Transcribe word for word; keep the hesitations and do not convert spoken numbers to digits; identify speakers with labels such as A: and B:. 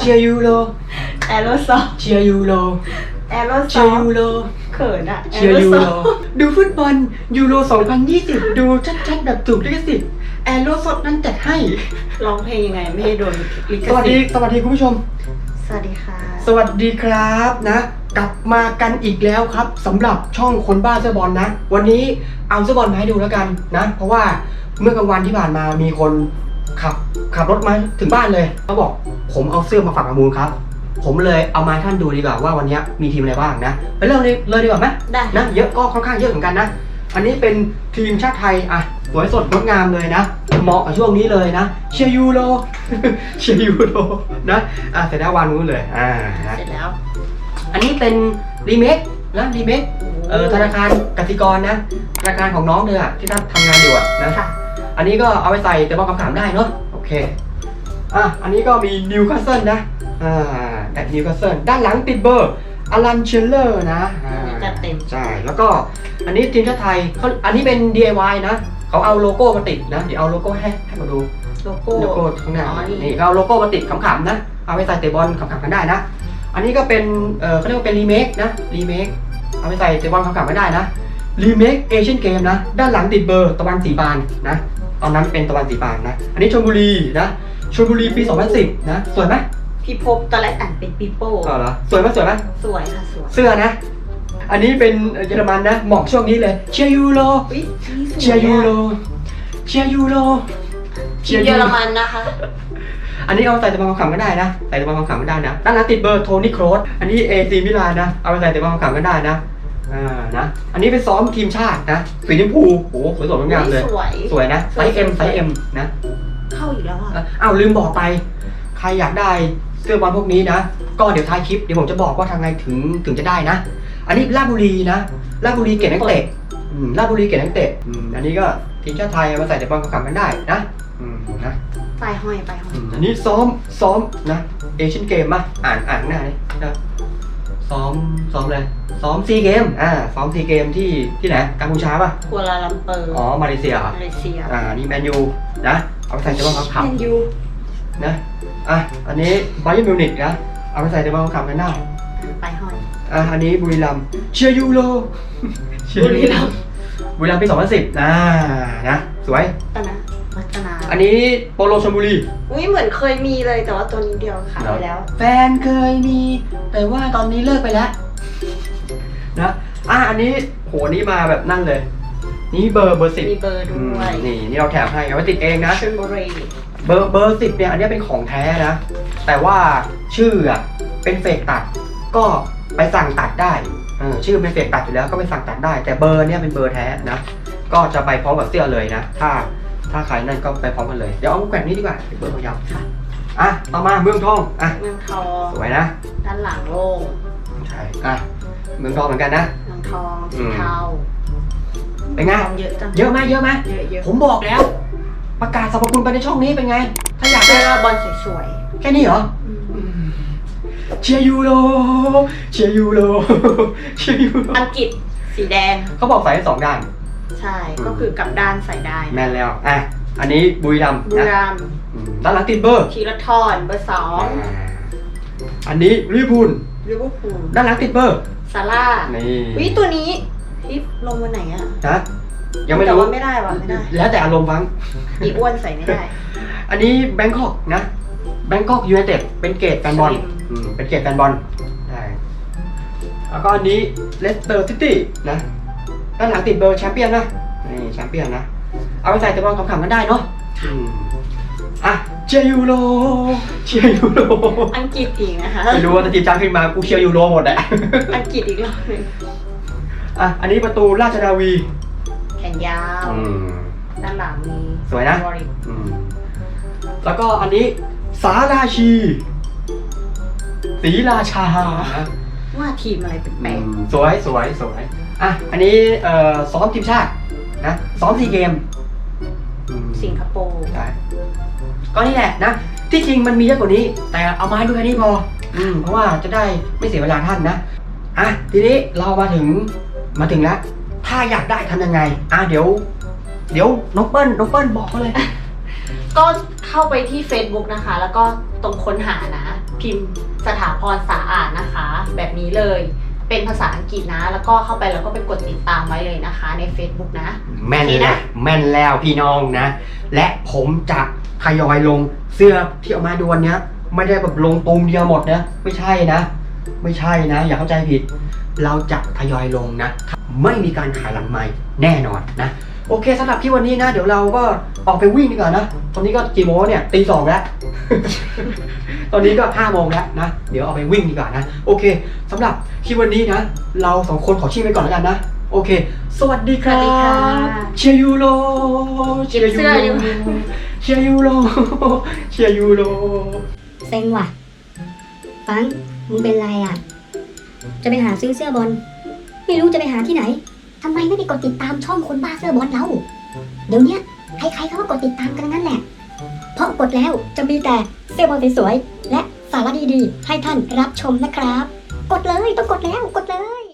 A: ชียร์ยูโร
B: แอโรซอล
A: เชียร์ยูโร
B: แอโรซ
A: เชี
B: อย
A: ร์
B: ล
A: ยูโร
B: เขินอะ
A: เชียร์ยูโรดูฟุตบอลยูโรสองพันยี่สิบดูชัดๆแบบถูกลิขสิทธิ์แอโรสดนั้นจัดให้
B: ร้องเพลงยังไงไม่ให้โดนลิข
A: สวัส
B: สิ
A: ดี
B: ทธิ์
A: สวัสดีคุณผู้ชม
B: สวัสดีค่ะ
A: สวัสดีครับนะกลับมากันอีกแล้วครับสำหรับช่องคนบ้าเสื้อบอลนะ วันนี้เอาเสื้อบอลมาให้ดูแล้วกันนะ เพราะว่าเมื่อกลางวันที่ผ่านมามีคนขับขับรถมาถึงบ้านเลยเขาบอกผมเอาเสื้อมาฝากประมูลครับ ผมเลยเอามาให้ท่านดูดีกว่าว่าวันนี้มีทีมอะไรบ้างนะไปเริ่มเลยเลยดีกว่าไหม
B: ได้
A: นะเยอะก็ค่อนข้างเยอะเหมือนกันนะอันนี้เป็นทีมชาติไทยอ่ะสวยสดงดงามเลยนะเหมาะกับช่วงนี้เลยนะเชียร์ยูโร เชียร์ยูโรนะอ่ะเสร็จแล้ววางนู้นเลยอ่านะ
B: เสร็จแล้ว
A: อันนี้เป็นรีเมคนะรีเมคเอ่อธนาคารกสิกรนะธนาคารของน้องเลยอะที่ท่านทำงานอยู่อะนะ
B: ค่ะ
A: อันนี้ก็เอาไปใส่แต่บอกคำถามได้เนาะโอเคอ่ะอันนี้ก็มีนิวคาสเซิลนะอ่าแอดนิวคาสเซิลด้านหลังติดเบอร์อลันเชลเลอร์นะอ่า
B: จัดเต็ม
A: ใช่แล้วก็อันนี้ทีมชาติไทยเขาอันนี้เป็น ดี ไอ วาย นะเขาเอาโลโก้มาติดนะเดี๋ยวเอาโลโก้ให้ให้มาดู
B: โลโก้
A: โลโก้ข้างหน้า
B: อ๋อนี่
A: นี่ก็เอาโลโก้มาติดขำๆนะเอาไปใส่เตะบอลขำๆกันได้นะ อันนี้ก็เป็น เออเขาเรียกว่าเป็นรีเมคนะ รีเมค เอาไปใส่เตะบอลขำๆไม่ได้นะ รีเมคเอเชียนเกมนะ ด้านหลังติดเบอร์ตะวันสีปานนะ ตอนนั้นเป็นตะวันสีปานนะ อันนี้ชลบุรีนะชลบุรีปีสองพันสิบนะ สวยไหม
B: พี่พบตอนแรกอ่านเป็นปีโป้
A: อ๋อเหรอ สวยไหมสวยไหม
B: สวยค่ะสวย
A: เสื้อนะ อันนี้เป็นเยอรมันนะ เหมาะช่วงนี้เลย เชียร์ยูโร
B: อุ๊ยนี่สวย
A: เชียร์ยูโร เชียร์ยูโร
B: ทีมเยอรมันนะคะ
A: อันนี้เอาใส่ตะบอลขำๆก็ได้นะ ใส่ตะบอลขำๆก็ได้นะ ด้านหลังติดเบอร์โทนี่โครส อันนี้เอซีมิลานนะ เอาไปใส่ตะบอลขำๆก็ได้นะ อ่า นะ อันนี้เป็นซ้อมทีมชาตินะ สีชมพูโอ้โหสวยสดงดงามเลย
B: สวย
A: สวยนะ ไซส์ M ไซส์ M นะ
B: เข้าอีกแล้วอ่ะ
A: อ่ะอ้าวลืมบอกไป ใครอยากได้เสื้อบอลพวกนี้นะ ก็เดี๋ยวท้ายคลิปเดี๋ยวผมจะบอกว่าทางไงถึงถึงจะได้นะ อันนี้ราชบุรีนะราชบุรีเกตนักเตะอืมราชบุรีเกตนักเตะอืมอันนี้ก็ทีมชาติไทยเอามาใส่ตะบอลขำๆกันได้นะอืมนะ
B: ไปห้อยไปห้อย
A: อืมอันนี้ซ้อมซ้อมนะเอเชียนเกมมาอ่านอ่านหน้านี่นะซ้อมซ้อมเลยซ้อมซีเกมอ่าซ้อมซีเกมที่ที่ไหนกัมพูชาป่ะ
B: กัวลาลัมเปอร์
A: อ๋อมาเลเซียเหรอ
B: มาเลเซีย
A: อ่านี่แมนยูนะเอาไปใส่เตะบอลขำ
B: แมนยู
A: ๆนะอ่ะอันนี้ไบเยิร์นมิวนิกนะเอาไปใส่เตะบอลขำๆกันได้
B: ไปห้อย
A: อ่ะอันนี้บุรีรัมย์เชียร์ยูโร
B: บุรีรัมย์
A: บุรีรัมย์ปีสองพันสิบนะนะสวย
B: ตอนนะวัฒนา
A: อันนี้โปโลชลบุรี
B: อุ้ยเหมือนเคยมีเลยแต่ว่าตัวนี้เดียวขายไปแล้ว
A: แฟนเคยมี แต่ว่าตอนนี้เลิกไปแล้วนะอ่ะอันนี้โหนี่มาแบบนั่นเลย นี่เบอร์เบอร์สิบ
B: มีเบอร์ด้วย
A: นี่นี่เราแถมให้เอาไว้ติดเองนะ
B: ชลบุรี
A: เบอร์เบอร์สิบเนี่ยอันนี้เป็นของแท้นะ แต่ว่าชื่ออ่ะเป็นเฟกตัด ก็ไปสั่งตัดได้เออชื่อเป็นเฟกตัดอยู่แล้วก็ไปสั่งตัดได้ แต่เบอร์เนี่ยเป็นเบอร์แท้นะ ก็จะไปพร้อมกับเสื้อเลยนะ ถ้าถ้าใครนั่นก็ไปพร้อมกันเลย เดี๋ยวเอาแกว่งนี้ดีกว่าเบอร์ยาวๆค่ะอ่ะต่อมาเมืองทองอ่ะ
B: เมืองทอง
A: สวยนะ
B: ด้านหลังโล่ง
A: ใช่อ่ะเมืองทองเหมือนกันนะ
B: เมืองทอง
A: อื
B: สี
A: ม
B: เทา
A: เป็นไง
B: ทองเยอะจัง
A: เยอะไหมเยอะไหม
B: เยอะเยอะ
A: ผมบอกแล้ว ประกาศสรรพคุณไปในช่องนี้เป็นไง ถ้าอยาก
B: เจ
A: ได้
B: อบอลสวย
A: แค่นี้เหรอ
B: ๆอืม
A: อืมเชียร์ยูโรเชียร์ยูโรเชียร์ยูโร
B: อังกฤษสีแดง
A: เขาบอกใส่ได้สองด้าน
B: ใช่ก็คือกลับด้านใส่ได้
A: แมนแล้วอ่ะอันนี้บุรีรัมย์
B: บุรี
A: นะ
B: รัมย์
A: อืมด้านหลังติดเบอร์
B: ธีรทรเบอร์สอง
A: อ่าอันนี้ลิเวอร์พูล
B: ลิเวอร์พูล
A: ด้านหลังติดเบอร์
B: ซาร่า
A: นี่
B: วิตัวนี้ที่ลงวันไหนอะ
A: นะยังไม่
B: แต่
A: รู้
B: ว่าไม่ได้ว่ะไม่ได้
A: แล้วแต่อารมณ์ฟัง
B: อีอ้วนใส่ไม่ได้
A: อันนี้แบงคอกนะแบงคอกยูไนเต็ดเป็นเกตแฟนบอล
B: สลิม
A: อืมเป็นเกตแฟนบอลใช่แล้วก็อันนี้เลสเตอร์ซิตี้นะด้านหลังติดเบอร์แชมเปี้ยนนะนี่แชมเปี้ยนนะ เอาไปใส่ตะบอลขำๆกันได้เนาะอืมอ่ะเชียร์ยูโรเชียร์ยูโร
B: อังกฤษอีกนะคะ
A: ไม่รู้ว่าถ้าทีมชาติขึ้นมากูเชียร์ยูโรหมดแหละ
B: อังกฤษอีกรอบหนึง
A: อ่ะอันนี้ประตูราชนาวี
B: แขนยาว
A: อืม
B: ด้านหลังมี
A: สวยนะ
B: วอริก
A: อืมแล้วก็อันนี้สาราชีศรีราชา
B: ว่าทีมอะไรแปล
A: อื
B: ก
A: มสวยสวยสวยอ่ะอันนี้เอ่อซ้อมทีมชาตินะซ้อมซีเกมอืม
B: ๆสิงคโปร์
A: ใช่ก็นี่แหละนะที่จริงมันมีเยอะกว่านี้ แต่เอามาให้ดูแค่นี้พออืมเพราะว่าจะได้ไม่เสียเวลาท่านนะอ่ะทีนี้เรามาถึงมาถึงแล้วถ้าอยากได้ทำยังไงอ่ะเดี๋ยว เดี๋ยวน้องเปิ้ลน้องเปิ้ลบอกเขาเลย
B: ก็เข้าไปที่ Facebook นะคะ แล้วก็ตรงค้นหานะพิมพ์สถาพรสาอาดนะคะ แบบนี้เลยเป็นภาษาอังกฤษนะ แล้วก็เข้าไปแล้วก็ไปกดติดตามไว้เลยนะคะใน Facebook นะ
A: แม่น
B: โอเค
A: แล้
B: นะ
A: วแม่นแล้วพี่น้องนะ และผมจะทยอยลงเสื้อที่เอามาดูวันเนี้ยไม่ได้แบบลงตูมเดียวหมดนะไม่ใช่นะ ไม่ใช่นะ อย่าเข้าใจผิด เราจะทยอยลงนะ ไม่มีการขายหลังไม้แน่นอนนะ โอเคสำหรับที่วันนี้นะ เดี๋ยวเราก็ออกไปวิ่งดีกว่านะ ตอนนี้ก็กี่โมงเนี่ยตีสองแล้ว ตอนนี้ก็ห้าโมงแล้วนะ เดี๋ยวเอาไปวิ่งดีกว่านะ โอเคสำหรับที่วันนี้นะ เราสองคนขอชิ่งไปก่อนแล้วกันนะ โอเค สวัสดีค
B: สวั
A: รั
B: สดีค่ะ
A: บ เชียร์ยูโรเชียร์ยู
B: เก็บเสื้
A: โร
B: ออยู่
A: เชียร์ยูโรเชียร์ยูโร
C: เซ็งว่ะ ฟัง มึงเป็นไรอ่ะ จะไปหาซื้อเสื้อบอล ไม่รู้จะไปหาที่ไหน ทำไมไม่ไปกดติดตามช่องคนบ้าเสื้อบอลเรา เดี๋ยวเนี้ยใครๆเขาก็กดติดตามกันทั้งนั้นแหละ เพราะกดแล้วจะมีแต่เสื้อบอลสวยๆและสาระดีๆ ให้ท่านรับชมนะครับ กดเลยต้องกดแล้วกด